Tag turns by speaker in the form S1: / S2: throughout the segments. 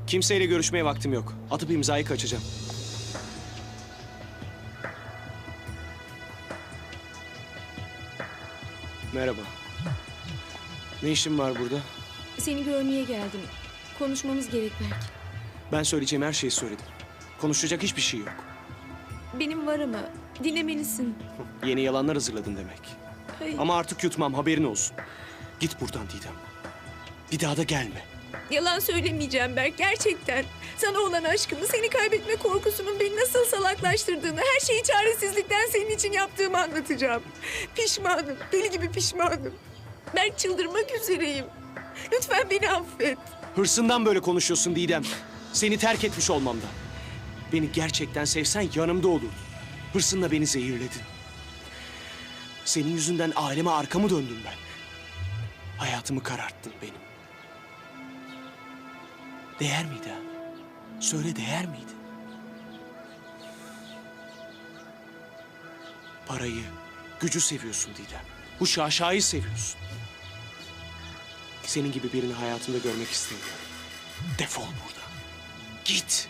S1: Kimseyle görüşmeye vaktim yok. Atıp imzayı kaçacağım. Merhaba. Ne işin var burada?
S2: Seni görmeye geldim. Konuşmamız gerek belki.
S1: Ben söyleyeceğim her şeyi söyledim. Konuşacak hiçbir şey yok.
S2: Benim var ama dinlemelisin.
S1: Yeni yalanlar hazırladın demek.
S2: Hayır.
S1: Ama artık yutmam, haberin olsun. Git buradan Didem. Bir daha da gelme.
S2: Yalan söylemeyeceğim Berk, gerçekten. Sana olan aşkımı, seni kaybetme korkusunun beni nasıl salaklaştırdığını, her şeyi çaresizlikten senin için yaptığımı anlatacağım. Pişmanım, deli gibi pişmanım. Berk, çıldırmak üzereyim. Lütfen beni affet.
S1: Hırsından böyle konuşuyorsun Didem. Seni terk etmiş olmamdan. Beni gerçekten sevsen yanımda olurdun. Hırsınla beni zehirledin. Senin yüzünden aileme arkamı döndüm ben. Hayatımı kararttın benim. Değer miydi ha? Söyle, değer miydi? Parayı, gücü seviyorsun Didem. Bu şaşayı seviyorsun. Senin gibi birini hayatımda görmek istemiyorum. Defol buradan. Git.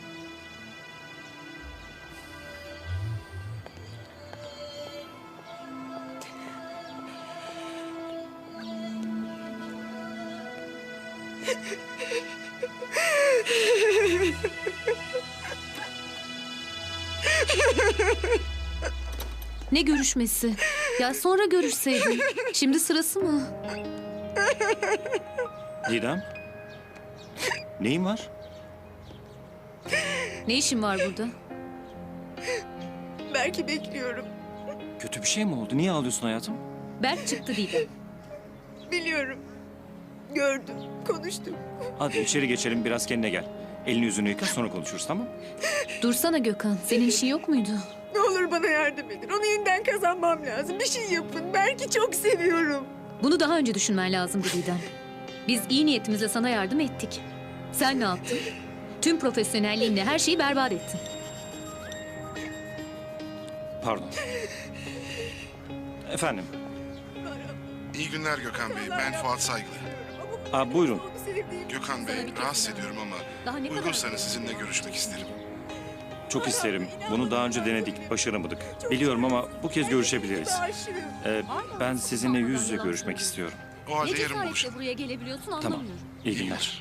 S3: Ne görüşmesi? Ya sonra görüşseydin. Şimdi sırası mı?
S4: Didem? Neyin var?
S3: Ne işin var burada?
S2: Berk'i bekliyorum.
S4: Kötü bir şey mi oldu? Niye ağlıyorsun hayatım?
S3: Berk çıktı Didem.
S2: Biliyorum. Gördüm, konuştum.
S4: Hadi içeri geçelim, biraz kendine gel. Elini yüzünü yıka, sonra konuşuruz, tamam?
S3: Dursana Gökhan. Senin işin yok muydu?
S2: Ne olur bana yardım edin. Onu yeniden kazanmam lazım. Bir şey yapın. Berk'i çok seviyorum.
S3: Bunu daha önce düşünmen lazımdı Didem. Biz iyi niyetimizle sana yardım ettik. Sen ne yaptın? Tüm profesyonelliğinle her şeyi berbat ettin.
S4: Pardon. Efendim?
S5: İyi günler Gökhan Bey. Ben Fuat Saygılı.
S4: Buyurun.
S5: Gökhan Bey, rahatsız ediyorum ama
S3: Daha ne kadar-
S5: uygunsanız sizinle görüşmek isterim.
S4: Çok isterim. Bunu daha önce denedik, başaramadık. Biliyorum ama bu kez görüşebiliriz. Ben sizinle yüz yüze görüşmek istiyorum.
S5: O halde
S3: Ne
S5: yarın
S3: cesaretle
S5: buluşalım.
S3: buraya gelebiliyorsun
S4: Tamam.
S3: anlamıyorum.
S4: İyi günler.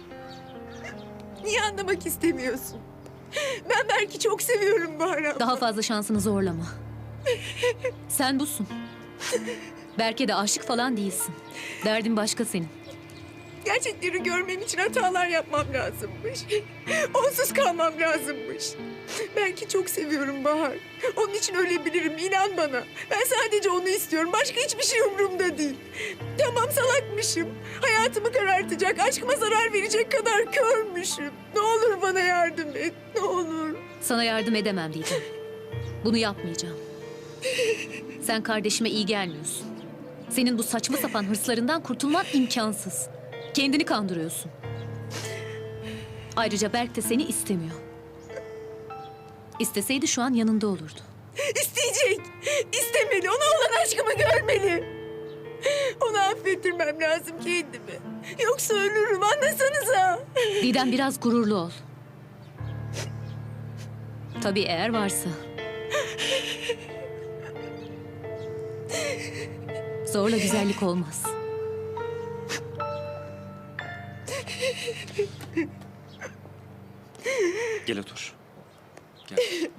S2: Niye anlamak istemiyorsun? Ben Berk'i çok seviyorum Bahar abla.
S3: Daha fazla şansını zorlama. Sen busun. Berk'e de aşık falan değilsin. Derdin başka senin.
S2: Gerçekleri görmem için hatalar yapmam lazımmış. Onsuz kalmam lazımmış. Berk'i çok seviyorum Bahar. Onun için ölebilirim, inan bana. Ben sadece onu istiyorum. Başka hiçbir şey umurumda değil. Tamam, salakmışım. Hayatımı karartacak, aşkıma zarar verecek kadar körmüşüm. Ne olur bana yardım et, ne olur.
S3: Sana yardım edemem Didem. Bunu yapmayacağım. Sen kardeşime iyi gelmiyorsun. Senin bu saçma sapan hırslarından kurtulman imkansız. Kendini kandırıyorsun. Ayrıca Berk de seni istemiyor. İsteseydi şu an yanında olurdu.
S2: İsteyecek, istemeli. Ona olan aşkımı görmeli. Onu affettirmem lazım kendimi. Yoksa ölürüm, anlasanıza.
S3: Didem biraz gururlu ol. Tabii eğer varsa. Zorla güzellik olmaz.
S4: Gel otur. Gel.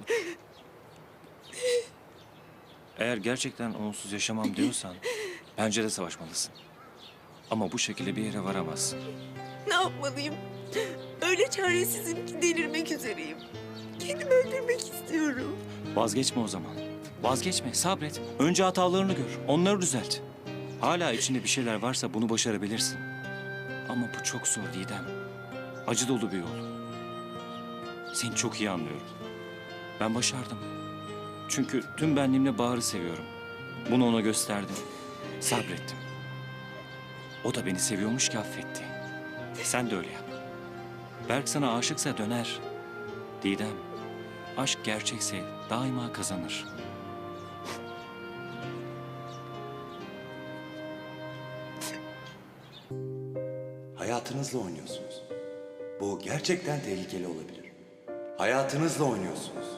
S4: Eğer gerçekten onsuz yaşamam diyorsan bence de savaşmalısın. Ama bu şekilde bir yere varamazsın.
S2: Ne yapmalıyım? Öyle çaresizim ki delirmek üzereyim. Kendimi öldürmek istiyorum.
S4: Vazgeçme o zaman. Vazgeçme, sabret. Önce hatalarını gör, onları düzelt. Hala içinde bir şeyler varsa bunu başarabilirsin. Ama bu çok zor Didem. Acı dolu bir yol. Seni çok iyi anlıyorum. Ben başardım. Çünkü tüm benliğimle Bahar'ı seviyorum. Bunu ona gösterdim. Sabrettim. O da beni seviyormuş ki affetti. Sen de öyle yap. Berk sana aşıksa döner. Didem, aşk gerçekse daima kazanır.
S6: Hayatınızla oynuyorsunuz. Bu gerçekten tehlikeli olabilir. Hayatınızla oynuyorsunuz.